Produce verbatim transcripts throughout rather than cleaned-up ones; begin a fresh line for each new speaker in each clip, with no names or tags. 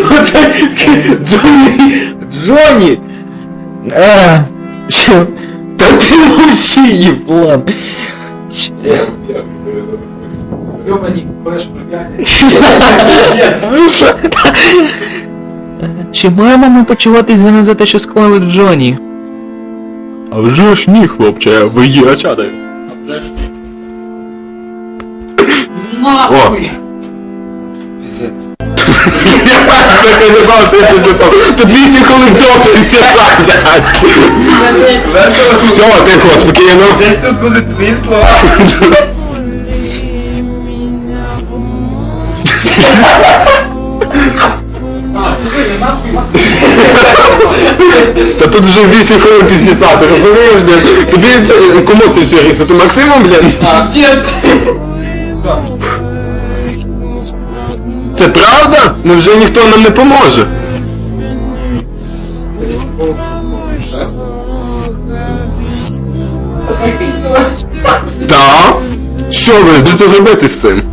Оце Джонні! Джонні! А, що? Та ти мовчи, їблан!
Ёбаний флеш пробігає.
Чи маємо ми почуватись вини за те, що склали Джонні? А вже ж ні, хлопче, ви є чади.
Нахуй!
Я канібал цей пиздецом. Тут вісім хвилин цього пиздеца, блядь. Все, тихо, спокійно.
Десь тут будуть твої слова.
А, ти нахуй, нахуй.
Та тут вже вісім хвилин пиздеца, ти розумієш, блядь? Тобі це, кому це все ріться? Ти Максимом, блядь?
А, отец!
Це правда? Невже ніхто нам не поможе? Так? Що ви будете зробити з цим?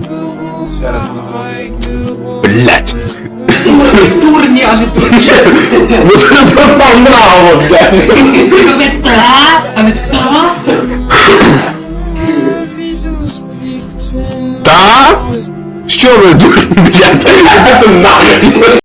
Блять.
Дурні, а не турні.
Ну ти просто мраво, блядь.
Та, а не вставався.
Так? Що ви, дурні, блядь? Іди ти нахрен.